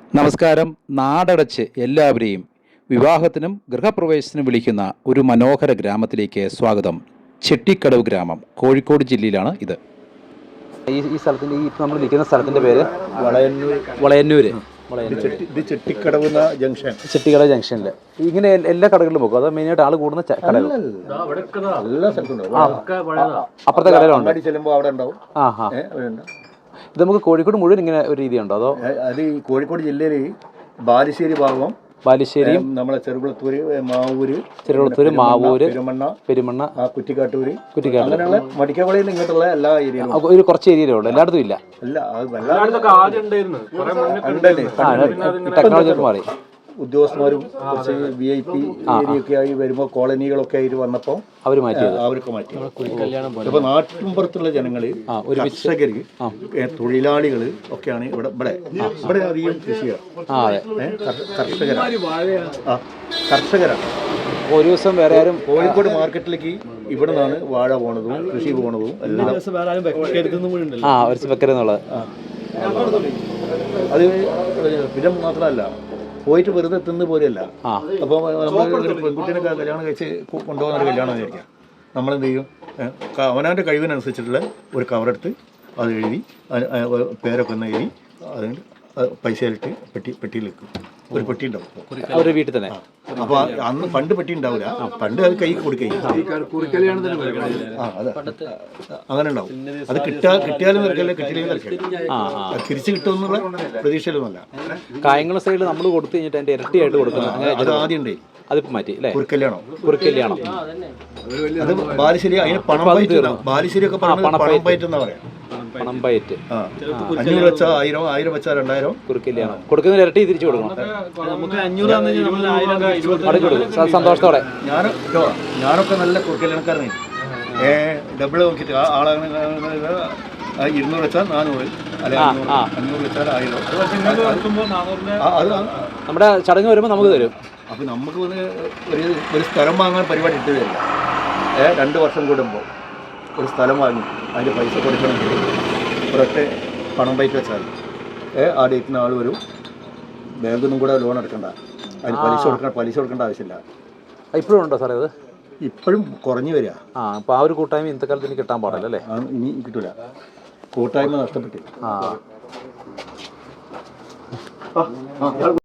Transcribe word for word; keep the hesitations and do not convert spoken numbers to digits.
നമസ്കാരം. നാടടച്ച് എല്ലാവരെയും വിവാഹത്തിനും ഗൃഹപ്രവേശത്തിനും വിളിക്കുന്ന ഒരു മനോഹര ഗ്രാമത്തിലേക്ക് സ്വാഗതം. ചെട്ടിക്കടവ് ഗ്രാമം കോഴിക്കോട് ജില്ലയിലാണ് ഇത്. ഈ ഈ സ്ഥലത്തിൻ്റെ ഈ നമ്മൾ നിൽക്കുന്ന സ്ഥലത്തിൻ്റെ പേര് വളയന്നൂർ. വളയന്നൂര്. ഇത് ചെട്ടിക്കടവ് ജംഗ്ഷൻ. ചെട്ടിക്കടവ് ജംഗ്ഷനിൽ ഇങ്ങനെ എല്ലാ കടകളിലും പോകും. അത് മെയിനായിട്ട് ആൾ കൂടുന്ന കടകൾ എല്ലാ സ്ഥലത്തും അപ്പുറത്തെ കടയിലുണ്ട്. ചെല്ലുമ്പോൾ അവിടെ ഉണ്ടാവും. ആ ഹാ ഇത് നമുക്ക് കോഴിക്കോട് മുഴുവൻ ഇങ്ങനെ ഒരു രീതിയുണ്ടോ? അതോ അത് ഈ കോഴിക്കോട് ജില്ലയിൽ ബാലുശ്ശേരി ഭാഗം, ബാലുശ്ശേരിയും നമ്മളെ ചെറുകുളത്തൂര്, മാവൂര്, ചെറുകുളത്തൂര്, മാവൂര്, പെരുമണ്ണ, പെരുമണ്ണ, കുറ്റിക്കാട്ടൂര്, കുറ്റിക്കാട്ടൂർ, അങ്ങനെയുള്ള മടിക്കവളയിൽ ഇങ്ങോട്ടുള്ള എല്ലാ ഏരിയയിലും ഒരു കുറച്ച് ഏരിയയിലുള്ളൂ, എല്ലായിടത്തും ഇല്ല. ടെക്നോളജി മാറി ഉദ്യോഗസ്ഥന്മാരും കുറച്ച് വി ഐ പി ഏരിയൊക്കെ ആയി വരുമ്പോൾ കോളനികളൊക്കെ ആയിട്ട് വന്നപ്പോൾ അവർ മാറ്റി അവരൊക്കെ മാറ്റി. ഇപ്പൊ നാട്ടിൻപുറത്തുള്ള ജനങ്ങള്, കർഷകര്, തൊഴിലാളികള് ഒക്കെയാണ് ഇവിടെ ഇവിടെ ഇവിടെ അധികം കൃഷിയാണ്. കർഷകരാണ് കർഷകരാണ് ഒരു ദിവസം വേറെ ആരും കോഴിക്കോട് മാർക്കറ്റിലേക്ക് ഇവിടെ നിന്നാണ് വാഴ പോണതും കൃഷി പോണതും എല്ലാം. ആ ഒരു വെക്കരുന്നുള്ളത് അത് പിന്നെ മാത്രമല്ല പോയിട്ട് വെറുതെ തിന്ന് പോലെയല്ല. അപ്പോൾ നമ്മൾ ഒരു പെൺകുട്ടീനെ കല്യാണം കഴിച്ച് കൊണ്ടുപോകുന്ന ഒരു കല്യാണം വിചാരിക്കാം. നമ്മളെന്ത് ചെയ്യും? അവനവൻ്റെ കഴിവിനനുസരിച്ചിട്ടുള്ള ഒരു കവറെടുത്ത് അത് എഴുതി പേരൊക്കെ ഒന്ന് എഴുതി അതിന് പൈസയിലിട്ട് പെട്ടി പെട്ടിയിൽ വെക്കും. ഒരു പെട്ടി ഉണ്ടാവും അവരുടെ വീട്ടിൽ തന്നെ. അപ്പോൾ അന്ന് പണ്ട് പെട്ടി ഉണ്ടാവില്ല, പണ്ട് അത് കൈ കൊടുക്കുകയും ആ അതെ അങ്ങനെ ഉണ്ടാവും. അത് കിട്ടാ കിട്ടിയാലും നിരക്കല്ല, കിട്ടിയില്ലെങ്കിൽ നിരക്കല്ല. അത് തിരിച്ചു കിട്ടുമെന്നുള്ള പ്രതീക്ഷയിലൊന്നുമല്ല. കായംകുളം സൈഡിൽ നമ്മൾ കൊടുത്തു കഴിഞ്ഞിട്ട് അതിന്റെ ഇരട്ടിയായിട്ട് കൊടുക്കുന്നത് അത് ആദ്യം ഉണ്ടേ. അതിപ്പോ മാറ്റി അല്ലേ? കുറുക്കല്യാണം. കുറുക്കല്യാണം അത് ബാലുശ്ശേരി. അതിന് പണം പയറ്റ്, ബാലുശ്ശേരി ഒക്കെ പണം പയറ്റ് എന്നാ പറയാം. പണം പയറ്റ്. അഞ്ഞൂറ് വെച്ചാൽ ആയിരം, ആയിരം വെച്ചാൽ രണ്ടായിരം. കുറുക്കല്യാണം കൊടുക്കുന്ന ഇരട്ടി തിരിച്ചു കൊടുക്കണം. സന്തോഷത്തോടെ. ഞാൻ ഞാനൊക്കെ നല്ല കുറുക്കല്യാണക്കാരനായി. ഏ ഡബിൾ നോക്കിയിട്ട് ആ ആളാണ്. ഇരുന്നൂറ് വെച്ചാൽ നാനൂറ്, അല്ലെ അഞ്ഞൂറ് വെച്ചാൽ ആയിരം. അത് നമ്മുടെ ചടങ്ങ് വരുമ്പോൾ നമുക്ക് തരും. അപ്പം നമുക്ക് ഒരു ഒരു സ്ഥലം വാങ്ങാൻ പരിപാടി ഇട്ട് തരില്ല. ഏ രണ്ട് വർഷം കൂടുമ്പോൾ ഒരു സ്ഥലം വാങ്ങി അതിൻ്റെ പൈസ കൊടുക്കണമെങ്കിൽ ഒരൊറ്റ പണം പൈസ വെച്ചാൽ ഏ ആ ഡേറ്റിന് ആൾ വരും. ബാങ്കിൽ നിന്നും കൂടെ ലോൺ എടുക്കണ്ട, അതിന് പലിശ കൊടുക്കണം, പലിശ കൊടുക്കേണ്ട ആവശ്യമില്ല. ഇപ്പോഴും ഉണ്ടോ സാറേ? അത് ഇപ്പോഴും കുറഞ്ഞു വരിക. ആ അപ്പോൾ ആ ഒരു കൂട്ടായ്മ ഇന്നത്തെ കാലത്ത് ഇനി കിട്ടാൻ പാടില്ല അല്ലേ? ഇനി കിട്ടൂല, കൂട്ടായ്മ നഷ്ടപ്പെട്ടു. ആ